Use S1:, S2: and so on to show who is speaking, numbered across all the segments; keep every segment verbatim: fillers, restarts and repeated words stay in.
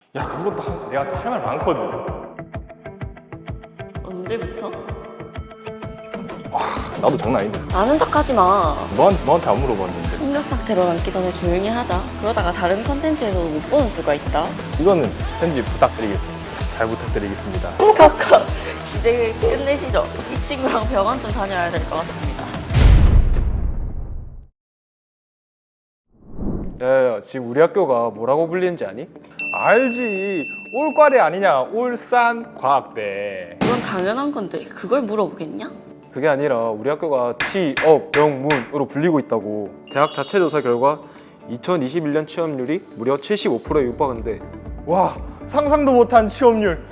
S1: 야, 그것도 한- 내가 또 할 말 많거든.
S2: 언제부터?
S1: 나도 장난 아닌데.
S2: 아는 척하지 마.
S1: 너한테, 너한테 안 물어봤는데.
S2: 폭력삭 들어남기 전에 조용히 하자. 그러다가 다른 컨텐츠에서도 못 보는 수가 있다.
S1: 이거는 편집 부탁드리겠습니다. 잘 부탁드리겠습니다.
S2: 카카 이제 끝내시죠. 이 친구랑 병원 좀 다녀야 될 것 같습니다.
S3: 야야야, 지금 우리 학교가 뭐라고 불리는지 아니?
S1: 알지. 올과대 아니냐? 울산과학대.
S2: 이건 당연한 건데 그걸 물어보겠냐?
S3: 그게 아니라 우리 학교가 취업명문으로 불리고 있다고. 대학 자체 조사 결과 이천이십일 년 취업률이 무려 칠십오 퍼센트에 육박한데
S1: 와, 상상도 못한 취업률.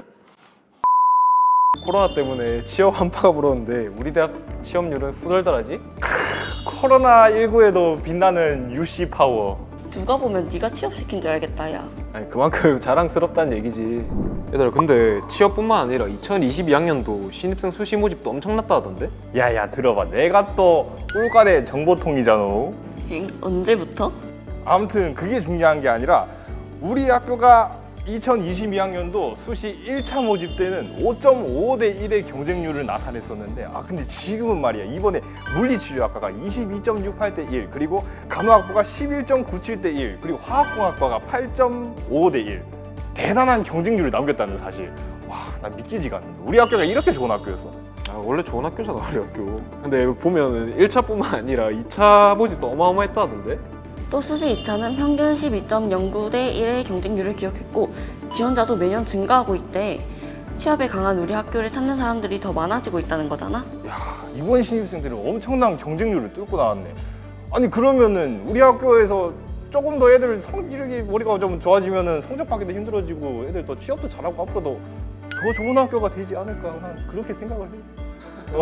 S3: 코로나 때문에 취업 한파가 불었는데 우리 대학 취업률은 후덜덜하지?
S1: 코로나십구에도 빛나는 유씨 파워.
S2: 누가 보면 네가 취업시킨 줄 알겠다 야.
S3: 아니 그만큼 자랑스럽다는 얘기지. 얘들아, 근데 취업뿐만 아니라 이천이십이 학년도 신입생 수시 모집도 엄청났다 하던데?
S1: 야야, 들어봐. 내가 또 올과대 정보통이잖아.
S2: 엥? 언제부터?
S1: 아무튼 그게 중요한 게 아니라 우리 학교가 이천이십이 학년도 수시 일 차 모집 때는 오 점 오오 대 일의 경쟁률을 나타냈었는데, 아 근데 지금은 말이야, 이번에 물리치료학과가 이십이 점 육팔 대 일, 그리고 간호학부가 십일 점 구칠 대 일, 그리고 화학공학과가 팔 점 오오 대 일. 대단한 경쟁률을 남겼다는 사실. 와, 난 믿기지가 않는다. 우리 학교가 이렇게 좋은 학교였어.
S3: 아, 원래 좋은 학교잖아 우리 학교. 근데 보면은 일 차뿐만 아니라 이 차 모집도 어마어마했다 하던데?
S2: 또 수시 이 차는 평균 십이 점 영구 대 일의 경쟁률을 기록했고 지원자도 매년 증가하고 있대. 취업에 강한 우리 학교를 찾는 사람들이 더 많아지고 있다는 거잖아.
S1: 야, 이번 신입생들은 엄청난 경쟁률을 뚫고 나왔네. 아니 그러면은 우리 학교에서 조금 더 애들 성질이 머리가 좀 좋아지면은 성적 받기도 힘들어지고 애들 더 취업도 잘하고 앞으로도 더 좋은 학교가 되지 않을까, 난 그렇게 생각을 해.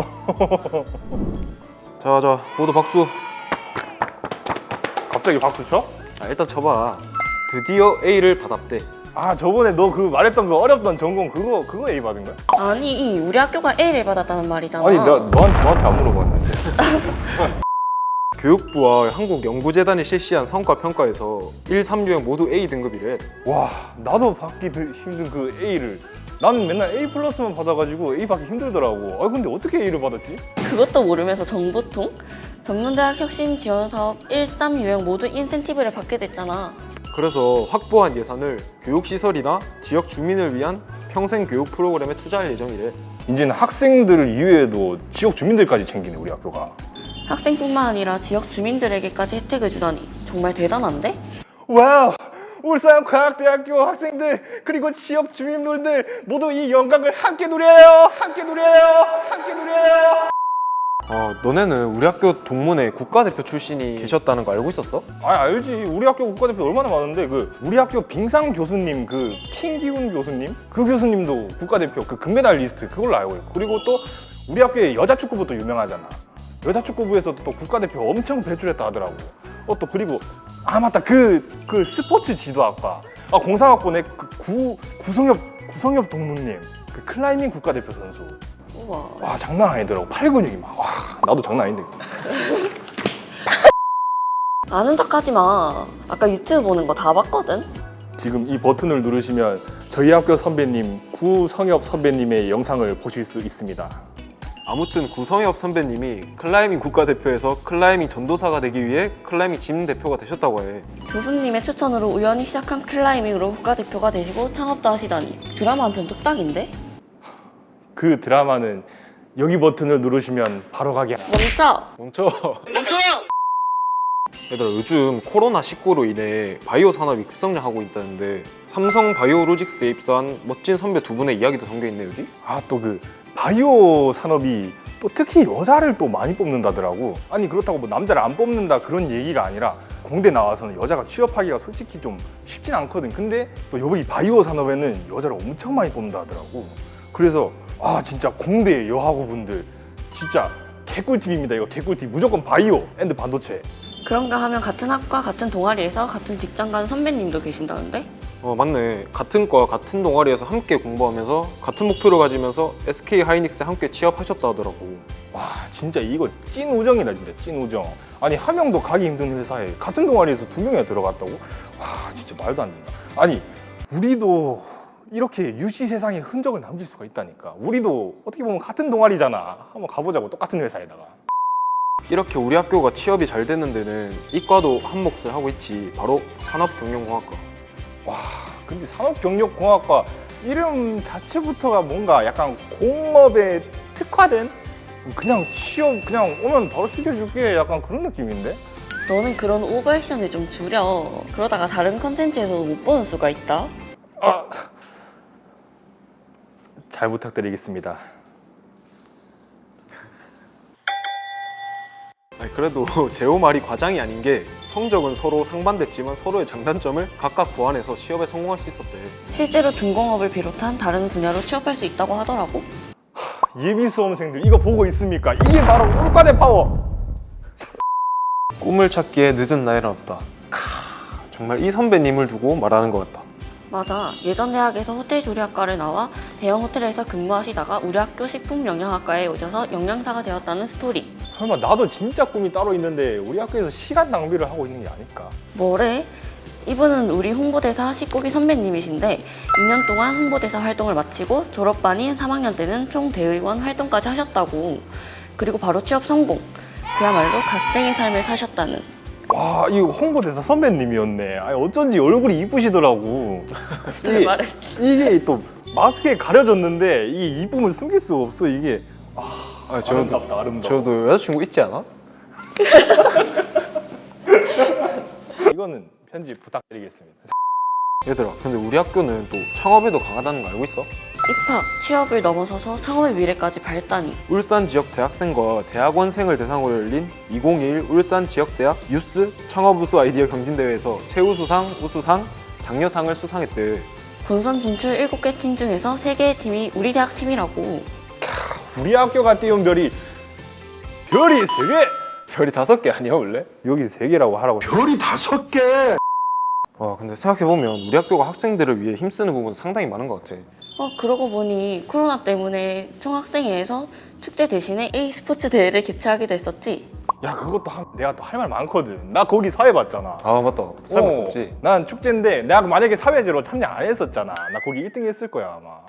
S3: 자자, 모두 박수.
S1: 갑자기 박수 쳐?
S3: 아, 일단 쳐봐. 드디어 A를 받았대.
S1: 아, 저번에 너 그 말했던 그 어렵던 전공 그거 그거 A 받은 거야?
S2: 아니 우리 학교가 A를 받았다는 말이잖아.
S1: 아니 나 너한테, 너한테 안 물어봤는데.
S3: 교육부와 한국연구재단이 실시한 성과평가에서 일, 삼 유형 모두 A 등급이래.
S1: 와, 나도 받기 드- 힘든 그 A를, 나는 맨날 A 플러스만 받아가지고 A 받기 힘들더라고. 아 근데 어떻게 A를 받았지?
S2: 그것도 모르면서 정보통? 전문대학 혁신 지원 사업 일, 삼 유형 모두 인센티브를 받게 됐잖아.
S3: 그래서 확보한 예산을 교육시설이나 지역 주민을 위한 평생교육 프로그램에 투자할 예정이래.
S1: 이제는 학생들 이외에도 지역 주민들까지 챙기네 우리 학교가.
S2: 학생뿐만 아니라 지역 주민들에게까지 혜택을 주다니 정말 대단한데?
S1: 와우! 울산과학대학교 학생들 그리고 지역 주민분들 모두 이 영광을 함께 누려요! 함께 누려요! 함께 누려요!
S3: 어, 너네는 우리 학교 동문회 국가대표 출신이 계셨다는 거 알고 있었어?
S1: 아, 알지. 우리 학교 국가대표 얼마나 많은데, 그 우리 학교 빙상 교수님, 그 킹기훈 교수님, 그 교수님도 국가대표 그 금메달 리스트 그걸로 알고 있고, 그리고 또 우리 학교에 여자 축구부도 유명하잖아. 여자 축구부에서도 또 국가대표 엄청 배출했다 하더라고. 어, 또 그리고 아 맞다, 그 그 스포츠 지도학과, 아 공상학번에 그 구 구성엽 구성엽 동무님, 그 클라이밍 국가대표 선수.
S2: 우와.
S1: 와, 장난 아니더라고. 팔 근육이 막. 와, 나도 장난 아닌데.
S2: 아는 척하지 마. 아까 유튜브 보는 거 다 봤거든?
S1: 지금 이 버튼을 누르시면 저희 학교 선배님 구성엽 선배님의 영상을 보실 수 있습니다.
S3: 아무튼 구성엽 선배님이 클라이밍 국가대표에서 클라이밍 전도사가 되기 위해 클라이밍 짐 대표가 되셨다고 해.
S2: 교수님의 추천으로 우연히 시작한 클라이밍으로 국가대표가 되시고 창업도 하시다니 드라마 한 편 뚝딱인데?
S1: 그 드라마는 여기 버튼을 누르시면 바로 가게.
S2: 멈춰!
S3: 멈춰. 멈춰. 얘들아, 요즘 코로나 십구로 인해 바이오 산업이 급성장하고 있다는데 삼성 바이오로직스에 입사한 멋진 선배 두 분의 이야기도 담겨있네 여기?
S1: 아, 또 그 바이오 산업이 또 특히 여자를 또 많이 뽑는다더라고. 아니 그렇다고 뭐 남자를 안 뽑는다 그런 얘기가 아니라 공대 나와서는 여자가 취업하기가 솔직히 좀 쉽진 않거든. 근데 또 여기 바이오 산업에는 여자를 엄청 많이 뽑는다 하더라고. 그래서 아 진짜 공대 여학우분들 진짜 개꿀팁입니다. 이거 개꿀팁. 무조건 바이오 앤드 반도체.
S2: 그런가 하면 같은 학과 같은 동아리에서 같은 직장 간 선배님도 계신다는데?
S3: 어 맞네. 같은 과 같은 동아리에서 함께 공부하면서 같은 목표를 가지면서 에스케이 하이닉스에 함께 취업하셨다 하더라고.
S1: 와 진짜 이거 찐 우정이다. 진짜 찐 우정. 아니 한 명도 가기 힘든 회사에 같은 동아리에서 두 명이나 들어갔다고? 와 진짜 말도 안 된다. 아니 우리도 이렇게 유시 세상에 흔적을 남길 수가 있다니까. 우리도 어떻게 보면 같은 동아리잖아. 한번 가보자고, 똑같은 회사에다가.
S3: 이렇게 우리 학교가 취업이 잘 되는 데는 이과도 한 몫을 하고 있지. 바로 산업경영공학과.
S1: 와, 근데 산업경력공학과 이름 자체부터가 뭔가 약간 공업에 특화된, 그냥 취업 그냥 오면 바로 시켜줄게, 약간 그런 느낌인데?
S2: 너는 그런 오버액션을 좀 줄여. 그러다가 다른 컨텐츠에서도 못 보는 수가 있다.
S1: 아, 잘 부탁드리겠습니다.
S3: 아니, 그래도 제호 말이 과장이 아닌 게 성적은 서로 상반됐지만 서로의 장단점을 각각 보완해서 취업에 성공할 수 있었대.
S2: 실제로 중공업을 비롯한 다른 분야로 취업할 수 있다고 하더라고.
S1: 예비 수험생들 이거 보고 있습니까? 이게 바로 올과대 파워.
S3: 꿈을 찾기에 늦은 나이는 없다. 캬, 정말 이 선배님을 두고 말하는 것 같다.
S2: 맞아. 예전 대학에서 호텔 조리학과를 나와 대형 호텔에서 근무하시다가 우리 학교 식품영양학과에 오셔서 영양사가 되었다는 스토리.
S1: 설마 나도 진짜 꿈이 따로 있는데 우리 학교에서 시간 낭비를 하고 있는 게 아닐까?
S2: 뭐래? 이분은 우리 홍보대사 식구기 선배님이신데 이 년 동안 홍보대사 활동을 마치고 졸업반인 삼 학년 때는 총 대의원 활동까지 하셨다고. 그리고 바로 취업 성공. 그야말로 갓생의 삶을 사셨다는.
S1: 와, 이거 홍보대사 선배님이었네. 아니, 어쩐지 얼굴이 이쁘시더라고.
S2: 진짜
S1: 이게-
S2: 말했지.
S1: 이게 또 마스크에 가려졌는데 이게 이쁨을 숨길 수가 없어. 이게
S3: 아,
S1: 아름답다, 아름다워.
S3: 저도 여자친구 있지 않아?
S1: 이거는 편집 부탁드리겠습니다.
S3: 얘들아, 근데 우리 학교는 또 창업에도 강하다는 거 알고 있어?
S2: 입학, 취업을 넘어서서 창업의 미래까지 밟다니.
S3: 울산 지역 대학생과 대학원생을 대상으로 열린 이천이십일 울산 지역대학 유스 창업 우수 아이디어 경진대회에서 최우수상, 우수상, 장려상을 수상했대.
S2: 본선 진출 일곱 개 팀 중에서 세 개의 팀이 우리 대학 팀이라고.
S1: 우리 학교가 띄운 별이 별이 세 개.
S3: 별이 다섯 개 아니야 원래?
S1: 여기 세 개라고 하라고.
S4: 별이 다섯 개.
S3: 와, 근데 생각해보면 우리 학교가 학생들을 위해 힘쓰는 부분 상당히 많은 것 같아.
S2: 어, 그러고 보니 코로나 때문에 총학생회에서 축제 대신에 e스포츠 대회를 개최하기도 했었지.
S1: 야, 그것도 한- 내가 또 할 말 많거든. 나 거기 사회 봤잖아.
S3: 아, 맞다. 삶았었지.
S1: 어, 난 축제인데 내가 만약에 사회제로 참여 안 했었잖아. 나 거기 일 등 했을 거야 아마.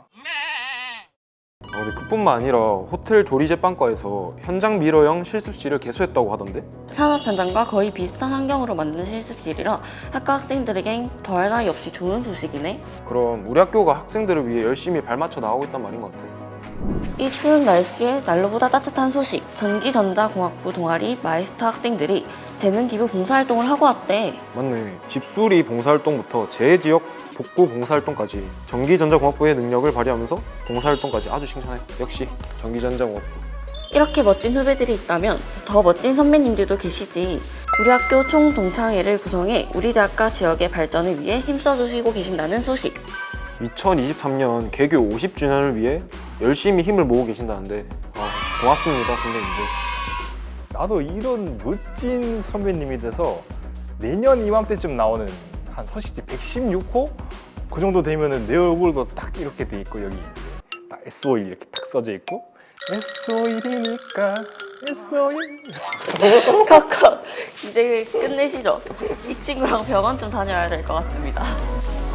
S3: 어, 근데 그뿐만 아니라 호텔 조리제빵과에서 현장 미러형 실습실을 개소했다고 하던데?
S2: 산업 현장과 거의 비슷한 환경으로 만든 실습실이라 학과 학생들에겐 더할 나위 없이 좋은 소식이네.
S3: 그럼 우리 학교가 학생들을 위해 열심히 발맞춰 나가고 있단 말인 것 같아.
S2: 이 추운 날씨에 난로보다 따뜻한 소식. 전기전자공학부 동아리 마이스터 학생들이 재능 기부 봉사활동을 하고 왔대.
S3: 맞네. 집수리 봉사활동부터 재지역 복구 봉사활동까지 전기전자공학부의 능력을 발휘하면서 봉사활동까지 아주 칭찬해. 역시 전기전자공학부.
S2: 이렇게 멋진 후배들이 있다면 더 멋진 선배님들도 계시지. 우리 학교 총 동창회를 구성해 우리 대학과 지역의 발전을 위해 힘써주시고 계신다는 소식.
S3: 이천이십삼 년 개교 오십 주년을 위해 열심히 힘을 모으고 계신다는데 아, 고맙습니다 선배님들.
S1: 나도 이런 멋진 선배님이 돼서 내년 이맘때쯤 나오는 한 서식지 백십육 호 그 정도 되면은 내 얼굴도 딱 이렇게 돼 있고 여기 이제 딱 에스오일 이렇게 딱 써져 있고 에스오일이니까 에스오일.
S2: 카카 이제 끝내시죠. 이 친구랑 병원 좀 다녀야 될 것 같습니다.